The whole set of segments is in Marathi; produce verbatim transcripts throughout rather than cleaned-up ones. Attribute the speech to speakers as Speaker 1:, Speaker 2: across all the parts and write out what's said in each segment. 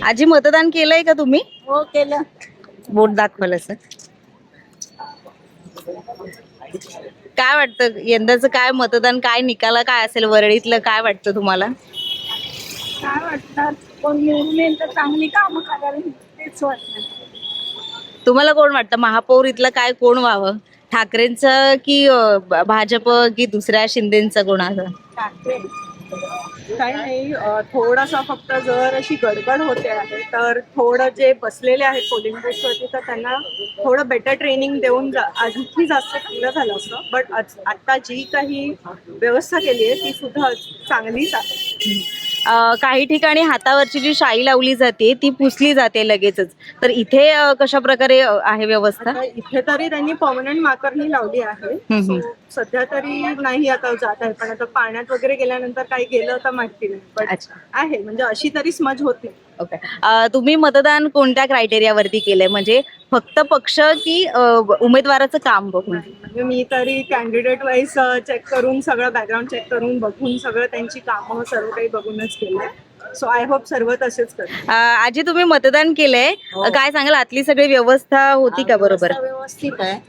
Speaker 1: आजी मतदान केलंय का तुम्ही?
Speaker 2: हो केलं.
Speaker 1: बोट दाखवलं सर. काय वाटतं यंदाचं काय मतदान काय निकाल काय असेल वरळीतलं काय वाटतं तुम्हाला?
Speaker 2: काय वाटतं कोण निवडून येईल तर चांगली कामं करावी तेच वाटतं.
Speaker 1: तुम्हाला कोण वाटतं महापौर इथलं काय कोण व्हावं? ठाकरेंचं की अं, ब- भाजप की दुसऱ्या शिंदेचं कोणाचं?
Speaker 2: ठाकरे.
Speaker 3: काही नाही अ, थोडासा फक्त जर अशी गडबड होते आहे तर थोडं जे बसलेले आहेत पोलिंग बूथवरती तर त्यांना थोडं बेटर ट्रेनिंग देऊन जा आणखी जास्त चांगलं झालं असतं. बट आता जी काही व्यवस्था केली आहे ती सुद्धा चांगलीच आहे.
Speaker 1: अं, काही ठिकाणी हातावरची जी शाई लावली जाते ती पुसली जाते लगेचच, तर इथे अं, कशा प्रकारे अं, आहे व्यवस्था?
Speaker 3: आता इथे तरी त्यांनी परमनंट मार्करनी लावली आहे.
Speaker 1: हम्म.
Speaker 3: So, सध्या तरी नाही आता जात आहे, पण आता पाण्यात वगैरे गेल्यानंतर काही गेलं तर माहिती नाही. पण
Speaker 1: अच्छा.
Speaker 3: आहे म्हणजे अशी तरी स्मज होती.
Speaker 1: ओके. अं, तुम्ही मतदान कोणत्या क्रायटेरियावरती केलंय, म्हणजे फक्त पक्ष की अं, उमेदवाराचं काम बघून?
Speaker 3: म्हणजे मी तरी कॅन्डिडेट वाईज चेक करून सगळं बॅकग्राऊंड चेक करून बघून सगळं त्यांची कामं सर्व काही बघूनच केलंय. सो आय होप सर्व तसेच करतील.
Speaker 1: अं, आजी तुम्ही मतदान केलंय,
Speaker 2: हो.
Speaker 1: काय सांगाल आतली सगळी व्यवस्था होती का बरोबर?
Speaker 2: व्यवस्था व्यवस्थित आहे.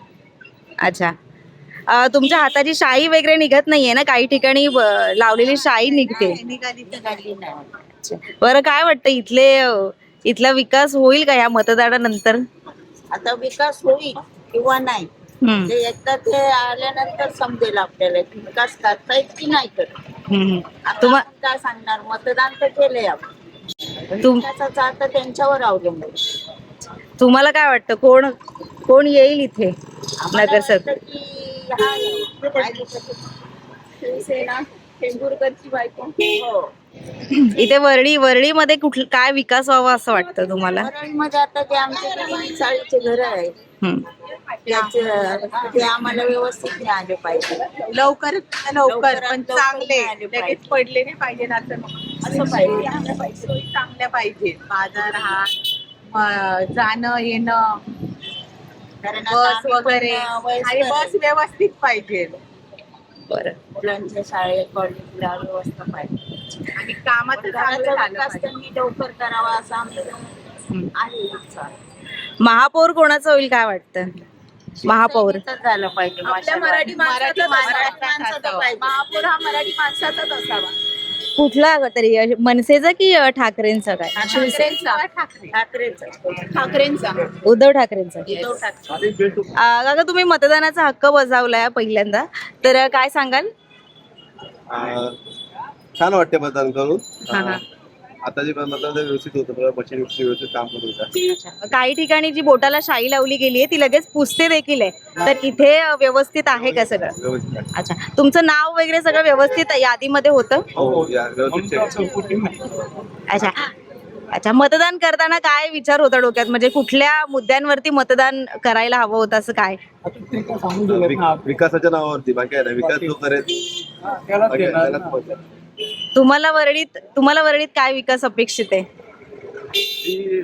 Speaker 1: अच्छा. अं, तुमच्या हाताची शाई वगैरे निघत नाहीये ना? काही ठिकाणी अं, लावलेली शाई निघते.
Speaker 2: नाही, निघाली तर गाडी नाही.
Speaker 1: बरं काय वाटतं इथले अं, इथला विकास होईल का या मतदानानंतर?
Speaker 2: आता विकास होईल किंवा नाही
Speaker 1: हम्म.
Speaker 2: ते एकदा ते आल्यानंतर समजेल आपल्याला की विकास करतायत की नाही करत.
Speaker 1: हम्म.
Speaker 2: आता
Speaker 1: तुम्हा
Speaker 2: आपण काय सांगणार, मतदान तर केलंय आपण.
Speaker 1: तुम
Speaker 2: विकासाचं आता त्यांच्यावर अवलंबून.
Speaker 1: तुम्हाला काय वाटतं कोण कोण येईल इथे
Speaker 2: आम्हाला
Speaker 1: नगरसेवक?
Speaker 2: वाटतं की हा यावं. काय लिहितं? शिवसेना टेंभुरकरची बायको. हो.
Speaker 1: इथे वरळी वरळीमध्ये कुठलं काय विकास व्हावा असं वाटतं तुम्हाला?
Speaker 2: परळीमध्ये आता ते आमचे जे चाळीचे घर आहेत
Speaker 1: हम्म.
Speaker 2: त्याचे ते आम्हाला व्यवस्थित मिळाले पाहिजे.
Speaker 3: लवकर लवकर पण
Speaker 2: लवकरात
Speaker 3: चांगले
Speaker 2: लवकर मिळाले
Speaker 3: लगेच
Speaker 2: पाहिजे.
Speaker 3: पडले नाही पाहिजे असं
Speaker 2: असं पाहिजे.
Speaker 3: सोयी चांगल्या पाहिजे. बाजार हाट म- जाणं येणं
Speaker 2: कारण आता
Speaker 3: बस
Speaker 2: आम्ही पण
Speaker 3: वगैरे
Speaker 2: वयस्कर
Speaker 3: आणि बस
Speaker 2: आहे.
Speaker 3: व्यवस्थित पाहिजे
Speaker 1: बरं.
Speaker 2: मुलांच्या शाळेत कॉलेजला व्यवस्था पाहिजे.
Speaker 3: आणि कामाचं चांगलं
Speaker 2: घराचा
Speaker 3: झालं
Speaker 2: विकास
Speaker 3: पाहिजे.
Speaker 2: त्यांनी लवकर करावा असं आमचं
Speaker 1: हम्म.
Speaker 2: आहे इच्छा.
Speaker 1: महापौर कोणाचं होईल काय वाटतं? महापौर
Speaker 2: शिवसेनेचंच झालं पाहिजे.
Speaker 3: आपल्या
Speaker 2: माशाला.
Speaker 3: मराठी माणसाचाच
Speaker 2: मराठी
Speaker 3: असावा.
Speaker 2: माणसाचं पाहिजे.
Speaker 3: महापौर हा मराठी माणसाचाच असावा.
Speaker 1: कुठला तरी अं, मनसेचा की अं, ठाकरेंचा काय?
Speaker 3: ठाकरेंचा ठाकरे
Speaker 2: ठाकरेंचं.
Speaker 3: ठाकरेंचा
Speaker 1: उद्धव ठाकरेंचा.
Speaker 2: उद्धव ठाकरे.
Speaker 1: अं, काका तुम्ही मतदानाचा हक्क बजावलाय पहिल्यांदा, तर अं, काय सांगाल?
Speaker 4: आ, छान वाटते मतदान करून.
Speaker 1: हा, हा.
Speaker 4: आ, आता जे मतदान ते व्यवस्थित होतं, मशीन व्यवस्थित काम करत होतं.
Speaker 1: काही ठिकाणी जी बोटाला शाई लावली गेली आहे ती लगेच पुसते देखील आहे, तर इथे अं, व्यवस्थित आहे का सगळं?
Speaker 4: व्यवस्थित आहे.
Speaker 1: अच्छा, तुमचं नाव वगैरे सगळं व्यवस्थित यादीमध्ये होतं?
Speaker 4: हो, या, व्यवस्थित check.
Speaker 1: अच्छा. अच्छा, मतदान करताना काय विचार होता डोक्यात, म्हणजे कुठल्या मुद्द्यांवरती मतदान करायला हवं होतं असं काय?
Speaker 4: विक- विकासाच्या नावावरती बाकी आहे ना, विकास जो करेल बाकी आहे, त्यालाच मत आहे.
Speaker 1: तुम्हाला वरळीत तुम्हाला वरळीत काय विकास अपेक्षित आहे?
Speaker 4: ही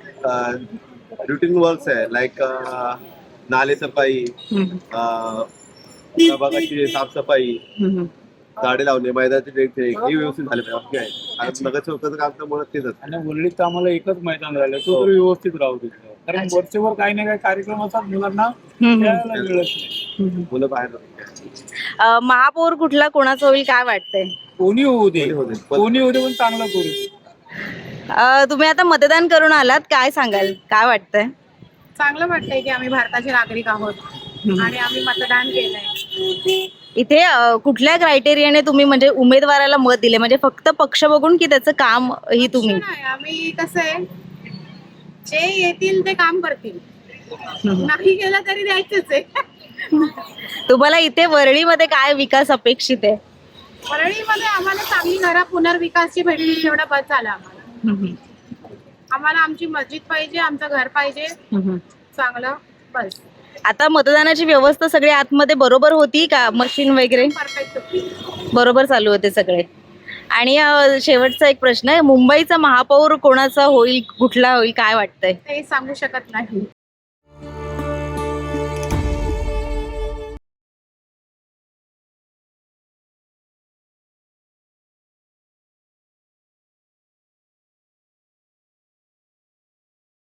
Speaker 4: रुटीन वर्क्स आहे, लाईक नाले सफाई,
Speaker 1: हम्म.
Speaker 4: आ, प्रभागाची साफसफाई,
Speaker 1: हम्म.
Speaker 4: झाडे लावणे, मैदानाचे देखरेख हे व्यवस्थित झाले पाहिजे. बाकी आहे आणि नगरसेवकाचं काम तर मुळात तेच असतं.
Speaker 5: आणि वरळीत तर आम्हाला एकच मैदान राहिलं तो तरी व्यवस्थित राहू तिथं, कारण वरचेवर काही ना काही कार्यक्रम असतात मुलांना
Speaker 1: हम्म.
Speaker 5: खेळायला मिळत नाही.
Speaker 4: मुलं बाहेर राहतात.
Speaker 1: अं, महापौर कुठला कोणाचं होईल काय वाटतंय?
Speaker 5: कोणी होऊ दे
Speaker 4: कोणी होऊ दे. पण-
Speaker 5: कोणी होऊ दे पण चांगलं करू दे.
Speaker 1: अं, तुम्ही आता मतदान करून आलात, काय सांगाल, काय वाटतंय?
Speaker 3: चांगलं वाटतंय की आम्ही भारताचे नागरिक आहोत आणि आम्ही मतदान केलंय.
Speaker 1: इथे अं, कुठल्या क्रायटेरियाने तुम्ही म्हणजे उमेदवाराला मत दिले, म्हणजे फक्त पक्ष बघून की त्याचं काम ही तुम्ही?
Speaker 3: नाही, आम्ही कसं आहे जे येतील ते काम करतील, नाही केलं तरी द्यायचंच आहे.
Speaker 1: तुम्हाला इथे वरळीमध्ये काय विकास अपेक्षित आहे?
Speaker 3: परळीमध्ये आम्हाला चांगली घरा पुनर्विकासची भेटली तेवढा बस झाला आम्हाला. आम्हाला आमची मस्जिद पाहिजे, आमचं घर पाहिजे चांगलं, बस.
Speaker 1: आता मतदानाची व्यवस्था सगळी आतमध्ये बरोबर होती का? मशीन वगैरे
Speaker 3: परफेक्ट होती.
Speaker 1: बरोबर चालू होते सगळे? आणि अं, शेवटचा एक प्रश्न आहे, मुंबईचा महापौर कोणाचा होईल, कुठला होईल काय वाटतंय?
Speaker 3: ते सांगू शकत नाही.